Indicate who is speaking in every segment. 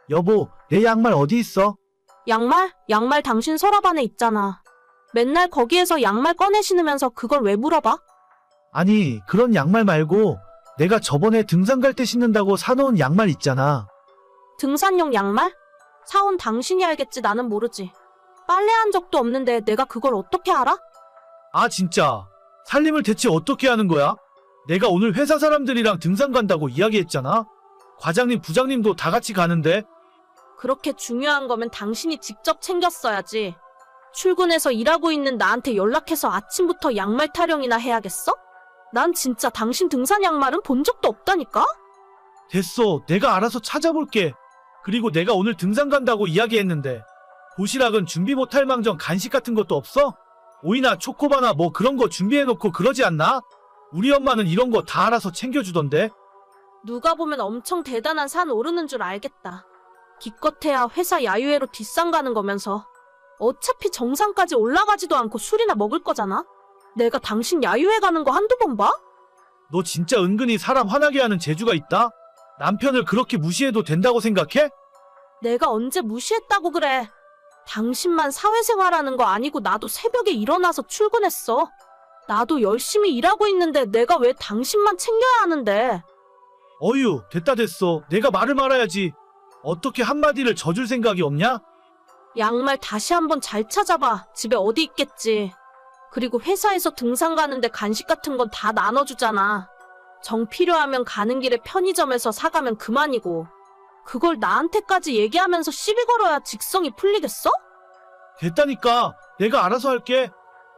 Speaker 1: 여보, 내 양말 어디 있어?
Speaker 2: 양말? 양말 당신 서랍 안에 있잖아. 맨날 거기에서 양말 꺼내 신으면서 그걸 왜 물어봐?
Speaker 1: 아니, 그런 양말 말고 내가 저번에 등산 갈 때 신는다고 사놓은 양말 있잖아.
Speaker 2: 등산용 양말? 사온 당신이 알겠지, 나는 모르지. 빨래한 적도 없는데 내가 그걸 어떻게 알아?
Speaker 1: 아, 진짜. 살림을 대체 어떻게 하는 거야? 내가 오늘 회사 사람들이랑 등산 간다고 이야기했잖아. 과장님, 부장님도 다 같이 가는데.
Speaker 2: 그렇게 중요한 거면 당신이 직접 챙겼어야지. 출근해서 일하고 있는 나한테 연락해서 아침부터 양말 타령이나 해야겠어? 난 진짜 당신 등산 양말은 본 적도 없다니까?
Speaker 1: 됐어. 내가 알아서 찾아볼게. 그리고 내가 오늘 등산 간다고 이야기했는데 도시락은 준비 못할 망정 간식 같은 것도 없어? 오이나 초코바나 뭐 그런 거 준비해놓고 그러지 않나? 우리 엄마는 이런 거 다 알아서 챙겨주던데.
Speaker 2: 누가 보면 엄청 대단한 산 오르는 줄 알겠다. 기껏해야 회사 야유회로 뒷산 가는 거면서 어차피 정상까지 올라가지도 않고 술이나 먹을 거잖아? 내가 당신 야유회 가는 거 한두 번 봐?
Speaker 1: 너 진짜 은근히 사람 화나게 하는 재주가 있다? 남편을 그렇게 무시해도 된다고 생각해?
Speaker 2: 내가 언제 무시했다고 그래. 당신만 사회생활하는 거 아니고 나도 새벽에 일어나서 출근했어. 나도 열심히 일하고 있는데 내가 왜 당신만 챙겨야 하는데.
Speaker 1: 어휴, 됐다 됐어. 내가 말을 말아야지. 어떻게 한마디를 져줄 생각이 없냐?
Speaker 2: 양말 다시 한번 잘 찾아봐. 집에 어디 있겠지. 그리고 회사에서 등산 가는데 간식 같은 건 다 나눠주잖아. 정 필요하면 가는 길에 편의점에서 사가면 그만이고. 그걸 나한테까지 얘기하면서 시비 걸어야 직성이 풀리겠어?
Speaker 1: 됐다니까. 내가 알아서 할게.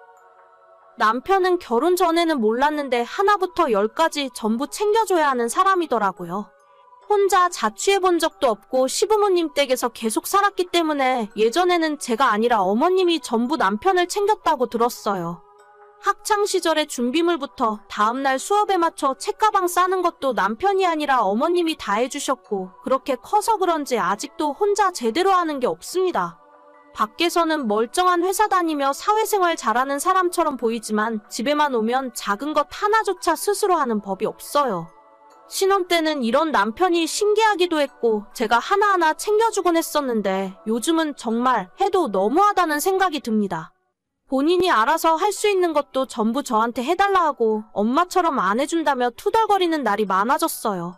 Speaker 2: 남편은 결혼 전에는 몰랐는데 하나부터 열까지 전부 챙겨줘야 하는 사람이더라고요. 혼자 자취해본 적도 없고 시부모님 댁에서 계속 살았기 때문에 예전에는 제가 아니라 어머님이 전부 남편을 챙겼다고 들었어요. 학창시절의 준비물부터 다음날 수업에 맞춰 책가방 싸는 것도 남편이 아니라 어머님이 다 해주셨고 그렇게 커서 그런지 아직도 혼자 제대로 하는 게 없습니다. 밖에서는 멀쩡한 회사 다니며 사회생활 잘하는 사람처럼 보이지만 집에만 오면 작은 것 하나조차 스스로 하는 법이 없어요. 신혼 때는 이런 남편이 신기하기도 했고 제가 하나하나 챙겨주곤 했었는데 요즘은 정말 해도 너무하다는 생각이 듭니다. 본인이 알아서 할 수 있는 것도 전부 저한테 해달라 하고 엄마처럼 안 해준다며 투덜거리는 날이 많아졌어요.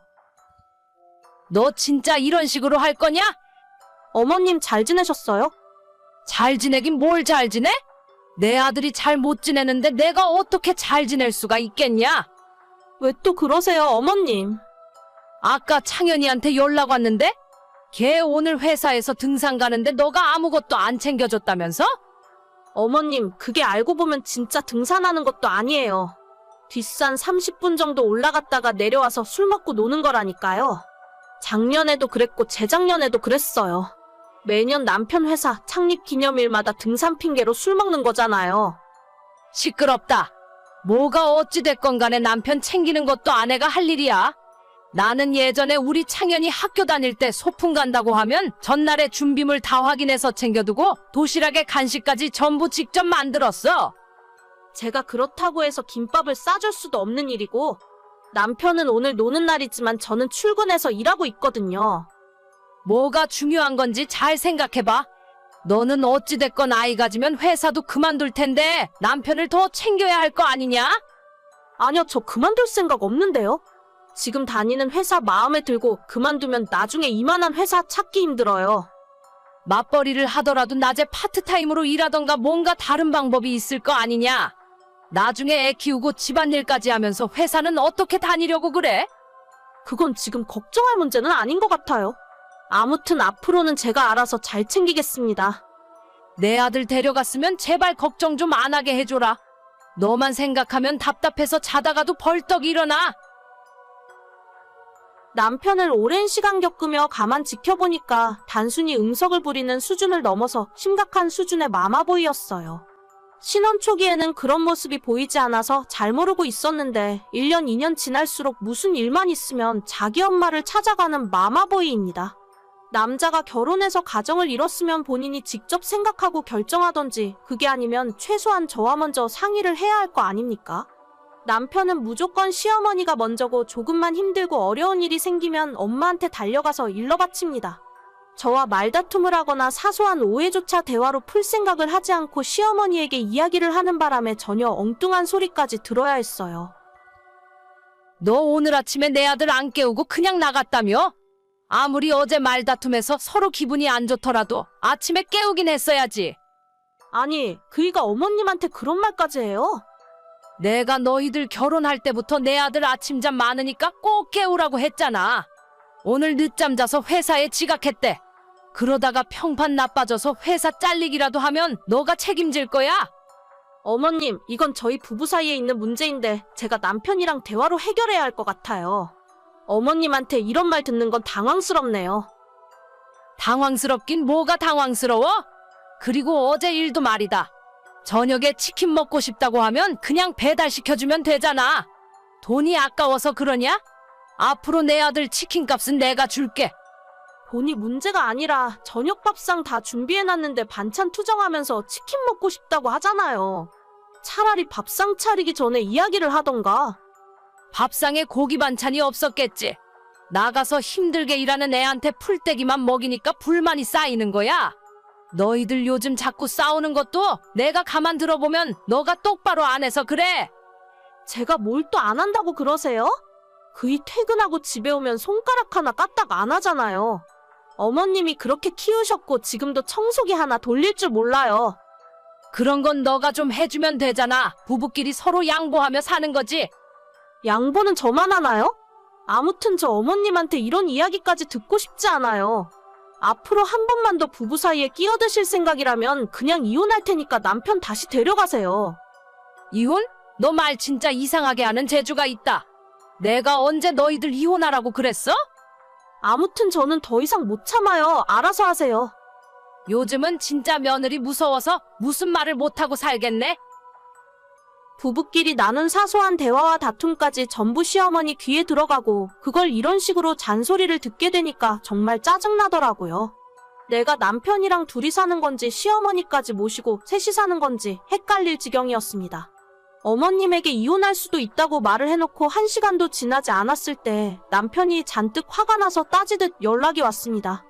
Speaker 3: 너 진짜 이런 식으로 할 거냐?
Speaker 2: 어머님 잘 지내셨어요?
Speaker 3: 잘 지내긴 뭘 잘 지내? 내 아들이 잘 못 지내는데 내가 어떻게 잘 지낼 수가 있겠냐?
Speaker 2: 왜 또 그러세요, 어머님?
Speaker 3: 아까 창현이한테 연락 왔는데? 걔 오늘 회사에서 등산 가는데 너가 아무것도 안 챙겨줬다면서?
Speaker 2: 어머님, 그게 알고 보면 진짜 등산하는 것도 아니에요. 뒷산 30분 정도 올라갔다가 내려와서 술 먹고 노는 거라니까요. 작년에도 그랬고 재작년에도 그랬어요. 매년 남편 회사 창립 기념일마다 등산 핑계로 술 먹는 거잖아요.
Speaker 3: 시끄럽다. 뭐가 어찌됐건 간에 남편 챙기는 것도 아내가 할 일이야. 나는 예전에 우리 창현이 학교 다닐 때 소풍 간다고 하면 전날에 준비물 다 확인해서 챙겨두고 도시락에 간식까지 전부 직접 만들었어.
Speaker 2: 제가 그렇다고 해서 김밥을 싸줄 수도 없는 일이고 남편은 오늘 노는 날이지만 저는 출근해서 일하고 있거든요.
Speaker 3: 뭐가 중요한 건지 잘 생각해봐. 너는 어찌됐건 아이 가지면 회사도 그만둘 텐데 남편을 더 챙겨야 할 거 아니냐?
Speaker 2: 아니요, 저 그만둘 생각 없는데요. 지금 다니는 회사 마음에 들고 그만두면 나중에 이만한 회사 찾기 힘들어요.
Speaker 3: 맞벌이를 하더라도 낮에 파트타임으로 일하던가 뭔가 다른 방법이 있을 거 아니냐? 나중에 애 키우고 집안일까지 하면서 회사는 어떻게 다니려고 그래?
Speaker 2: 그건 지금 걱정할 문제는 아닌 것 같아요. 아무튼 앞으로는 제가 알아서 잘 챙기겠습니다.
Speaker 3: 내 아들 데려갔으면 제발 걱정 좀 안 하게 해줘라. 너만 생각하면 답답해서 자다가도 벌떡 일어나.
Speaker 2: 남편을 오랜 시간 겪으며 가만 지켜보니까 단순히 응석을 부리는 수준을 넘어서 심각한 수준의 마마보이였어요. 신혼 초기에는 그런 모습이 보이지 않아서 잘 모르고 있었는데 1년, 2년 지날수록 무슨 일만 있으면 자기 엄마를 찾아가는 마마보이입니다. 남자가 결혼해서 가정을 이뤘으면 본인이 직접 생각하고 결정하던지 그게 아니면 최소한 저와 먼저 상의를 해야 할 거 아닙니까? 남편은 무조건 시어머니가 먼저고 조금만 힘들고 어려운 일이 생기면 엄마한테 달려가서 일러 바칩니다. 저와 말다툼을 하거나 사소한 오해조차 대화로 풀 생각을 하지 않고 시어머니에게 이야기를 하는 바람에 전혀 엉뚱한 소리까지 들어야 했어요.
Speaker 3: 너 오늘 아침에 내 아들 안 깨우고 그냥 나갔다며? 아무리 어제 말다툼해서 서로 기분이 안 좋더라도 아침에 깨우긴 했어야지.
Speaker 2: 아니, 그이가 어머님한테 그런 말까지 해요?
Speaker 3: 내가 너희들 결혼할 때부터 내 아들 아침잠 많으니까 꼭 깨우라고 했잖아. 오늘 늦잠 자서 회사에 지각했대. 그러다가 평판 나빠져서 회사 잘리기라도 하면 너가 책임질 거야?
Speaker 2: 어머님, 이건 저희 부부 사이에 있는 문제인데 제가 남편이랑 대화로 해결해야 할 것 같아요. 어머님한테 이런 말 듣는 건 당황스럽네요.
Speaker 3: 당황스럽긴 뭐가 당황스러워? 그리고 어제 일도 말이다. 저녁에 치킨 먹고 싶다고 하면 그냥 배달시켜주면 되잖아. 돈이 아까워서 그러냐? 앞으로 내 아들 치킨값은 내가 줄게.
Speaker 2: 돈이 문제가 아니라 저녁 밥상 다 준비해놨는데 반찬 투정하면서 치킨 먹고 싶다고 하잖아요. 차라리 밥상 차리기 전에 이야기를 하던가.
Speaker 3: 밥상에 고기 반찬이 없었겠지. 나가서 힘들게 일하는 애한테 풀떼기만 먹이니까 불만이 쌓이는 거야. 너희들 요즘 자꾸 싸우는 것도 내가 가만 들어보면 너가 똑바로 안 해서 그래.
Speaker 2: 제가 뭘 또 안 한다고 그러세요? 그이 퇴근하고 집에 오면 손가락 하나 까딱 안 하잖아요. 어머님이 그렇게 키우셨고 지금도 청소기 하나 돌릴 줄 몰라요.
Speaker 3: 그런 건 너가 좀 해주면 되잖아. 부부끼리 서로 양보하며 사는 거지.
Speaker 2: 양보는 저만 하나요? 아무튼 저 어머님한테 이런 이야기까지 듣고 싶지 않아요. 앞으로 한 번만 더 부부 사이에 끼어드실 생각이라면 그냥 이혼할 테니까 남편 다시 데려가세요.
Speaker 3: 이혼? 너 말 진짜 이상하게 하는 재주가 있다. 내가 언제 너희들 이혼하라고 그랬어?
Speaker 2: 아무튼 저는 더 이상 못 참아요. 알아서 하세요.
Speaker 3: 요즘은 진짜 며느리 무서워서 무슨 말을 못하고 살겠네.
Speaker 2: 부부끼리 나눈 사소한 대화와 다툼까지 전부 시어머니 귀에 들어가고 그걸 이런 식으로 잔소리를 듣게 되니까 정말 짜증나더라고요. 내가 남편이랑 둘이 사는 건지 시어머니까지 모시고 셋이 사는 건지 헷갈릴 지경이었습니다. 어머님에게 이혼할 수도 있다고 말을 해놓고 1시간도 지나지 않았을 때 남편이 잔뜩 화가 나서 따지듯 연락이 왔습니다.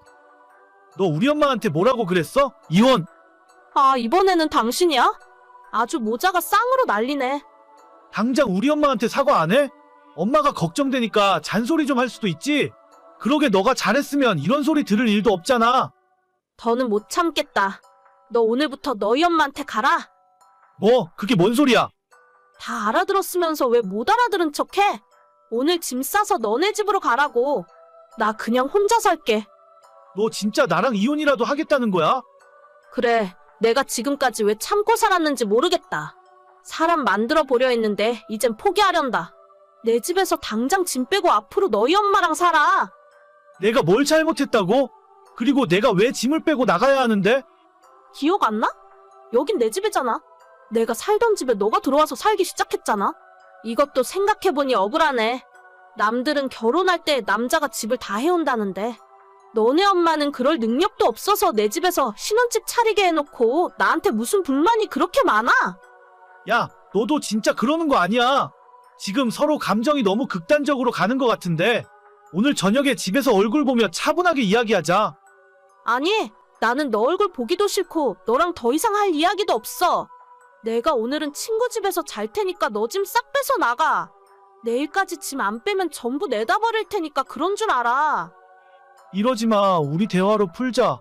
Speaker 1: 너 우리 엄마한테 뭐라고 그랬어? 이혼!
Speaker 2: 아, 이번에는 당신이야? 아주 모자가 쌍으로 난리네.
Speaker 1: 당장 우리 엄마한테 사과 안 해? 엄마가 걱정되니까 잔소리 좀 할 수도 있지. 그러게 너가 잘했으면 이런 소리 들을 일도 없잖아.
Speaker 2: 더는 못 참겠다. 너 오늘부터 너희 엄마한테 가라.
Speaker 1: 뭐 그게 뭔 소리야?
Speaker 2: 다 알아들었으면서 왜 못 알아들은 척해? 오늘 짐 싸서 너네 집으로 가라고. 나 그냥 혼자 살게.
Speaker 1: 너 진짜 나랑 이혼이라도 하겠다는 거야?
Speaker 2: 그래, 내가 지금까지 왜 참고 살았는지 모르겠다. 사람 만들어 보려 했는데 이젠 포기하련다. 내 집에서 당장 짐 빼고 앞으로 너희 엄마랑 살아.
Speaker 1: 내가 뭘 잘못했다고? 그리고 내가 왜 짐을 빼고 나가야 하는데?
Speaker 2: 기억 안 나? 여긴 내 집이잖아. 내가 살던 집에 너가 들어와서 살기 시작했잖아. 이것도 생각해보니 억울하네. 남들은 결혼할 때 남자가 집을 다 해온다는데 너네 엄마는 그럴 능력도 없어서 내 집에서 신혼집 차리게 해놓고 나한테 무슨 불만이 그렇게 많아?
Speaker 1: 야, 너도 진짜 그러는 거 아니야. 지금 서로 감정이 너무 극단적으로 가는 것 같은데 오늘 저녁에 집에서 얼굴 보며 차분하게 이야기하자.
Speaker 2: 아니, 나는 너 얼굴 보기도 싫고 너랑 더 이상 할 이야기도 없어. 내가 오늘은 친구 집에서 잘 테니까 너 짐 싹 빼서 나가. 내일까지 짐 안 빼면 전부 내다 버릴 테니까 그런 줄 알아.
Speaker 1: 이러지 마. 우리 대화로 풀자.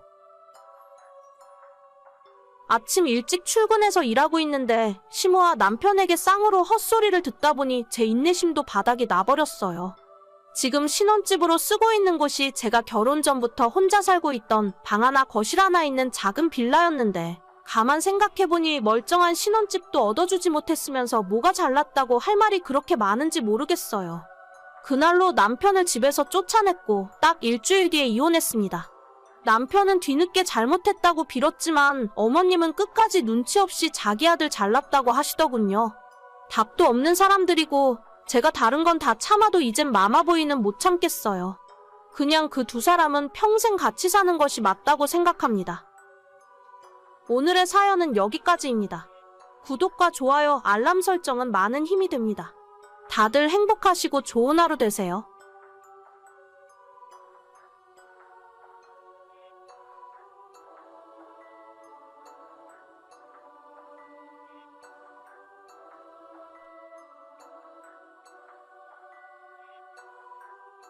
Speaker 2: 아침 일찍 출근해서 일하고 있는데 시모와 남편에게 쌍으로 헛소리를 듣다 보니 제 인내심도 바닥이 나버렸어요. 지금 신혼집으로 쓰고 있는 곳이 제가 결혼 전부터 혼자 살고 있던 방 하나 거실 하나 있는 작은 빌라였는데 가만 생각해보니 멀쩡한 신혼집도 얻어주지 못했으면서 뭐가 잘났다고 할 말이 그렇게 많은지 모르겠어요. 그날로 남편을 집에서 쫓아냈고 딱 일주일 뒤에 이혼했습니다. 남편은 뒤늦게 잘못했다고 빌었지만 어머님은 끝까지 눈치 없이 자기 아들 잘났다고 하시더군요. 답도 없는 사람들이고 제가 다른 건 다 참아도 이젠 마마보이는 못 참겠어요. 그냥 그 두 사람은 평생 같이 사는 것이 맞다고 생각합니다. 오늘의 사연은 여기까지입니다. 구독과 좋아요, 알람 설정은 많은 힘이 됩니다. 다들 행복하시고 좋은 하루 되세요.